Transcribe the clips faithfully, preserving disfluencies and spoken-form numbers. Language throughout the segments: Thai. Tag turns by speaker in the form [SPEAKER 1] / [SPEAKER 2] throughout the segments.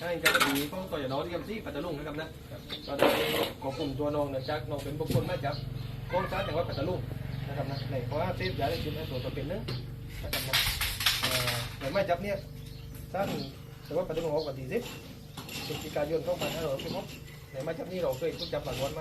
[SPEAKER 1] ให้เจ้าหน้าที่ของตัวอย่างน้อยที่กำซี่ปัตตาลุงนะครับนะก็ได้ควบคุมตัวน้องเนื่องจากน้องเป็นบุคคลมาจากกองทัพจังหวัดปัตตาลุงนะครับนะในข้อหาเสพยาและจิตในส่วนตัวเป็นนึงนะครับนะแต่ไม่จับเนี่ยท่านจังหวัดปัตตาลุงออกวันที่สิบพฤศจิกายนสองพันห้าร้อยสิบหกในไม่จับนี่เราเคยถูกจับหลังวันไหม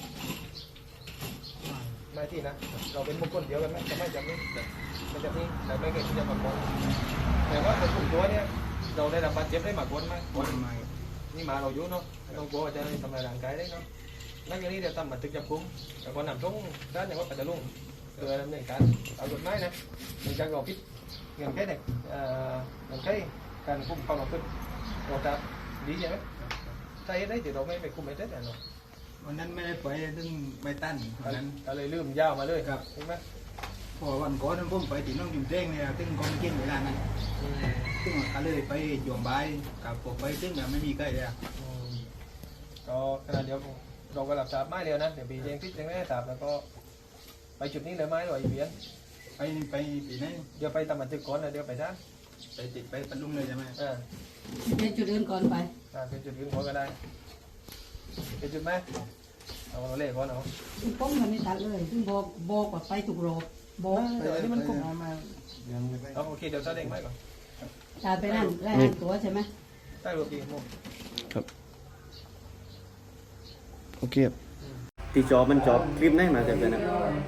[SPEAKER 1] ไม่ที่นะเราเป็นบุคคลเดียวกันไหมจะไม่จับนี่ไม่จับนี่แต่ไม่เคยถูกจับหลังวันแต่ว่าคนกลุ่มตัวเนี่ยเราได้รับบาดเจ็บได้มากกว่าไหมกว่าไม่นี่มาเราอยู่เนาะต้องกลัวจะทำลายร่างกายได้เนาะนักอย่างนี้เดี๋ยวทำบันทึกจับกุมแต่ก่อนนำส่งด้านอย่างว่าปัตตาลุงเพื่อดำเนินการเอากฎหมายนะในการรอพิษเงินแค่ไหนเงินแค่การคุมความประพฤติเราจะดีใช่ไหมใช่ได้แต่เราไม่ไปคุมไม่ได้แต่เนาะ
[SPEAKER 2] วันนั้นไม่ได้ไปซึ่งไม่ตั้นวันนั้น
[SPEAKER 1] ก็เลยลืมยาวมาเลยครับใช่ไหม
[SPEAKER 2] พอวันก่อนนั้นผมไปที่น้องจุ่มเต้งเนี่ยซึ่งกองเก่งเวลานั้นซึ่งก็เลยไปหย่วงใบกับผมไปซึ่งแบบไม่มีใกล้เลย
[SPEAKER 1] ก็ขณะเดียวเราก็หลับสาบไม้เร็วนะเดี๋ยวปีเจงพิษยังไม่ได้สาบแล้วก็ไปจุดนี้เลยไม้หน่อยเบียน
[SPEAKER 2] ไปไปปีนั้น
[SPEAKER 1] เดี๋ยวไปตามบันทึกก่อนนะเดี๋ยวไปด้าน
[SPEAKER 2] ไปติดไปปันลุงเลยใช่ไหม
[SPEAKER 1] อ่า
[SPEAKER 3] เป็นจุดอื่นก่อนไป
[SPEAKER 1] อ่าเป็นจุดอื่นก่อนก็ได้เป็นจุดไหมเอาเราเล่ก่อนเนาะ
[SPEAKER 3] ป้องมันไม่ตัดเลยซึ่งบอกบอกว่าไปถูกโรบบอก
[SPEAKER 1] เดี๋ยวนี้มันคุมเอาโอเคเดี๋ยวแสดงไม้ก่อน
[SPEAKER 3] ตาไปนั่นแลกตัวใช่ไหม
[SPEAKER 1] ได้รูปดีโม
[SPEAKER 4] ครับโอเคตีจอบมันจอบคลิปไหนมาจากไหนนะ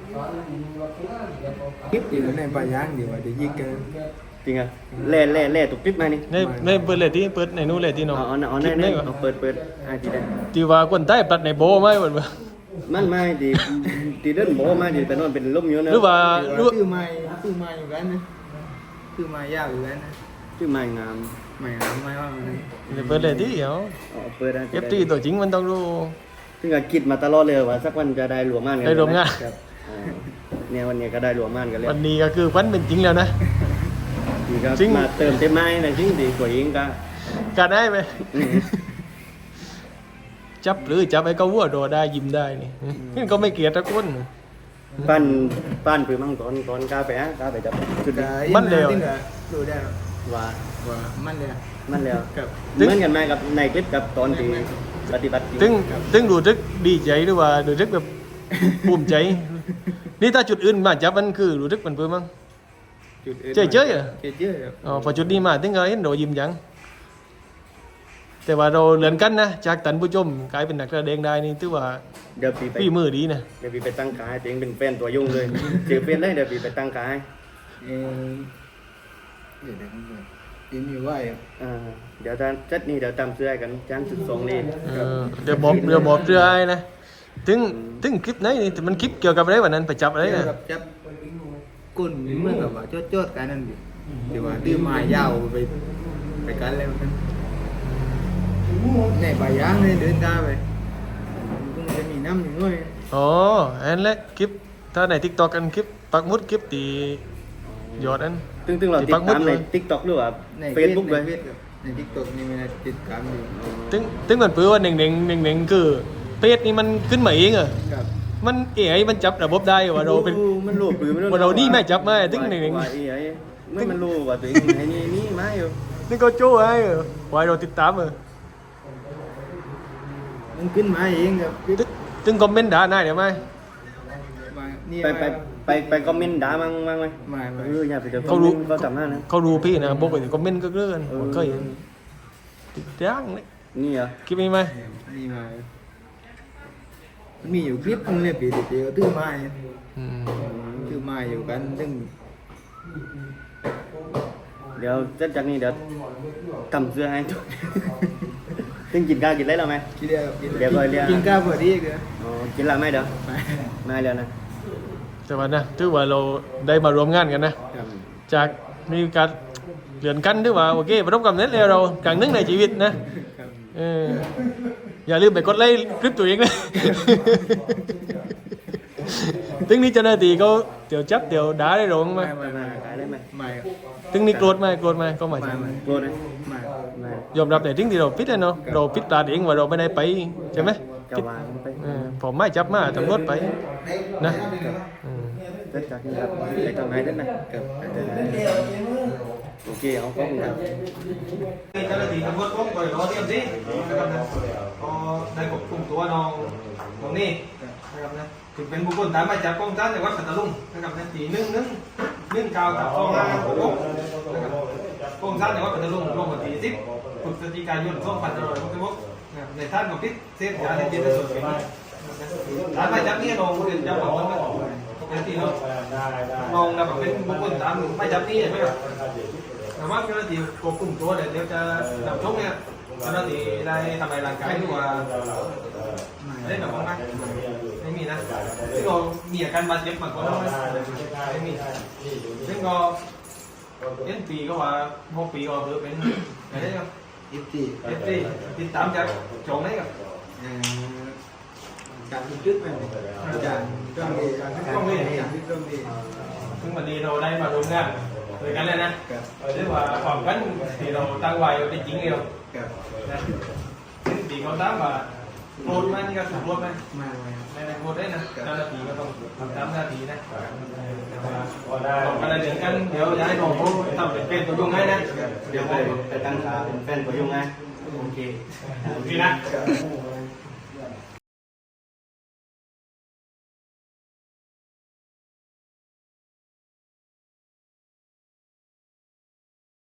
[SPEAKER 2] คลิปอยู่ในป่ายางเดี๋ยวเดี๋ยวยิงกัน
[SPEAKER 4] จริงอ่ะเล่เล่เล่ตุกคลิปไหนนี่
[SPEAKER 1] ในในเปิดเลยที่เปิดในนู้นเลยที่น้อง
[SPEAKER 4] อ๋ออ๋อในในเปิดเปิดไอ้ที่ได้
[SPEAKER 1] ที่ว่าคนใต้ปัดในโบไหมเหมือนว่า
[SPEAKER 4] มันไม่ดีดีเดินโบมาดีแต่นอนเป็นลมอยู่นะ
[SPEAKER 1] หรือว่า
[SPEAKER 2] ตื้อไม้ตื้อไม้อยู่กันนะตื้อไม้ยาวอยู่กันนะ
[SPEAKER 4] ชื่อไม้งาม
[SPEAKER 2] ไม้งามไม้ว่ามัน
[SPEAKER 1] เปิดเลยที่เหรอ
[SPEAKER 4] อ๋อเปิดได้
[SPEAKER 1] เอฟทีตัวจริงมันต้องรู้
[SPEAKER 4] ซึ่งก็คิดมาตลอดเลยว่าสักวันจะได้หลวงม่านกัน
[SPEAKER 1] ได้หลวงม่าน
[SPEAKER 4] ครับเนี่ยวันนี้ก็ได้หลวงม่านกันแล้ว
[SPEAKER 1] วันนี้ก็คือวันเป็นจริงแล้วนะ
[SPEAKER 4] ดีครับมาเติมเต็มไม้นะจริงดีกว่ายิงก็
[SPEAKER 1] การได้ไหมจับหรือจับไอ้ก็วัวโดได้ยิ้มได้นี่นี่ก็ไม่เกลียดตะกุน
[SPEAKER 4] ปั้นปั้นปืนมังกรกรกาแฟกาแฟจับ
[SPEAKER 2] จุด
[SPEAKER 1] มันเร็ว
[SPEAKER 2] ดูได้
[SPEAKER 4] ว่า
[SPEAKER 2] ว่ามันเร็ว
[SPEAKER 4] มันเร็วเหมือนกันไหมกับในคลิปกับตอนที่ปฏิบัติ
[SPEAKER 1] ตึงตึงดูทึกดีใจหรือว่าดูทึกแบบภูมิใจนี่ถ้าจุดอื่นมาจับมันคือดูทึกมันเพิ่มมั้งเจ๊เจ๊เหรอ
[SPEAKER 2] เจ๊
[SPEAKER 1] อ๋อพอจุดนี้มาตึงก็เห็นโดยิ้มยังแต่ว่าเราเลื่อนกันนะจากตันผู้ชมกลายเป็นนักแสดงได้นี่ถือว่า
[SPEAKER 4] เดี๋ยวปีไป
[SPEAKER 1] ปีมือดีนะ
[SPEAKER 4] เดี๋ยวปีไปตั้งขายตัวเองเป็นแฟนตัวยุ่งเลยเจอเป็นได้เดี๋ยวปีไปตั้งขาย
[SPEAKER 2] เออเดี๋ยวได้ยินอยู่ว่า
[SPEAKER 4] อ่าเดี๋ยวจะจัดนี่เดี๋ยวจำเสื้อกันจ้างสุดทรงนี่
[SPEAKER 1] เดี๋ยวบอกเดี๋ยวบอกเสื้อให้นะถึงถึงคลิปไหนนี่มันคลิปเกี่ยวกับอะไรวันนั้นไปจับอะไรนะ
[SPEAKER 2] จับกุนเมื่อกับว่าโจดๆกันนั่นเดี๋ยวว่าดื้อมายาวไปไปกันแล้วกันในป่ายางเลยเดินตาไปต้องจะมีน้ำอยู่ด้วย
[SPEAKER 1] อ๋ออันแรกคลิปถ้าใน TikTok กันคลิปปักมุดคลิปตียอดอัน
[SPEAKER 4] ตึงตึงเราติดตามใน TikTok หรือว่า Facebook เลย
[SPEAKER 2] ใน TikTok นี่มันติดตามอยู่
[SPEAKER 1] ตึงตึงมันเปื้อว่าหนึ่งหนึ่งหนึ่งหนึ่งคือเพจนี่มันขึ้นมาเองเหรอมันเอ๋ยมันจับระบบได้ว่าเราเป็น
[SPEAKER 4] มันรู้ปืน
[SPEAKER 1] ว่าเรานี่ไม่จับไม่ตึงหนึ่งหนึ่ง
[SPEAKER 4] ว่าเอ๋ยไม่มันรู้ว่าตัวเองไอ้นี่นี่ไม่อยู่
[SPEAKER 1] นี่ก็โจ้ไอ้ว่าเราติดตามเหรอ
[SPEAKER 2] มันขึ้นมาเองครับ
[SPEAKER 1] ตึงคอมเมนต์ด่าได้เดี๋ยวไหม
[SPEAKER 4] ไปไปไปไปคอมเมนต์ด่ามั่งมั่งไหม
[SPEAKER 2] ไม่ไม่
[SPEAKER 4] เอออย่าไปเจอเขารู้เขาจำหน้านะ
[SPEAKER 1] เขารู้พี่นะบอกว่าคอมเมนต์ก็เลื่อนก็เห็นติดย่างเลย
[SPEAKER 4] นี่เหรอ
[SPEAKER 1] คลิปนี้ไหม
[SPEAKER 2] นี่มามีอยู่คลิปนึงเลยปีเดียวตื้อไม้ตื้อไม้อยู่กันตึง
[SPEAKER 4] เดี๋ยวจัดจากนี้เดี๋ยวทำเสื้อให้ทุกตึงกินข้าวกินอะไรแล้วไหม
[SPEAKER 2] กินแล้ว
[SPEAKER 4] เดี๋ยวเลยเรีย
[SPEAKER 2] กินข้าวพอดีกัน
[SPEAKER 4] อ๋อกินแล้วไหมเดี๋ยวไม่แล้วนะ
[SPEAKER 1] แต่ว่านะถือว่าเราได้มารวมงานกันนะจากมีการเลื่อนกันถือว่าโอเคประสบความสำเร็จแล้วเราครั้งหนึ่งในชีวิตนะเอออย่าลืมไปกดไลค์คลิปตัวเองนะถึงนี้เจ้าหน้าที่เขาเดี๋ยวจับเดี๋ยวด่าได้หรอ
[SPEAKER 4] ไหมไม่ไม่ได้ไหม
[SPEAKER 2] ไม่
[SPEAKER 1] ถึงนี้โกรธไหมโกรธไหมก็ไม่
[SPEAKER 4] โกรธไหม
[SPEAKER 1] ไม่ยอมรับแต่ถึงที่เราพิจเนาะเราพิจารณาเองว่าเราไม่ได้ไปใช่ไหมผมไม่จับมาตำรวจไปนะ
[SPEAKER 4] จัดจากนี้ครับไปทำไงได้ไหมโอเคเอาขอบคุณครับ
[SPEAKER 1] นี่เจ้าหน้าที่ตำรวจผมก็รอเตรียมสินะครับนะก็ได้ควบคุมตัวน้องตรงนี้นะครับนะถึงเป็นบุคคลตามหมายจับกองทัพจังหวัดพัทลุงนะครับนะที่หนึ่งหนึ่งหนึ่งเก้ากับสองห้าหกนะครับกองทัพจังหวัดพัทลุงลงวันที่สิบพฤศจิกายนสองพันห้าร้อยหกสิบหกนะครับในท่านของพิษเสพยาเสพติดและส่วนเป็นตามหมายจับนี่น้องเรียนจับของมันเป็นที่น้องน้องนะเป็นบุคคลตามหมายจับนี่ใช่ไหมครับแต่ว่าเจ้าหน้าที่ควบคุมตัวเดี๋ยวจะนำชกเนี่ยเจ้าหน้าที่ได้ทำลายร่างกายหรือว่าได้แบบว่าไม่มีนะซึ่งเรามีอาการบาดเจ็บมากกว่านั้นไม่มีซึ่งก็เอ็นปีก็ว่าหกปีก็ถือเป็นอะไรครับ
[SPEAKER 2] อีกที
[SPEAKER 1] เอฟซีติดตามจากโจงไหนครับ
[SPEAKER 2] การบันทึกมันจากเรื่องนี้การบันทึกเรื่องนี้
[SPEAKER 1] ซึ่งวันนี้เราได้มาร่วมงานด้วยกันเลยนะเรียกว่าความกันที่เราตั้งไว้เป็นจริงเดียวนะซึ่งปีเขาตั้งว่าโกรธไหมนี่ก็ถูกโกรธไหม
[SPEAKER 2] มา
[SPEAKER 1] ไม่ได้โกรธได้นะเจ้าหน้าที่ก็ต้องทำตามหน้าที่นะบอกกันเดี๋ยวกันเดี๋ยวย้ายน้องเขาทำเป็นเป็นตัวยุ่งให้นะ
[SPEAKER 4] เดี๋ยวไปไปตั้งขาเป็นแฟนตัวยุ่งไงโอเค
[SPEAKER 1] โอเคนะ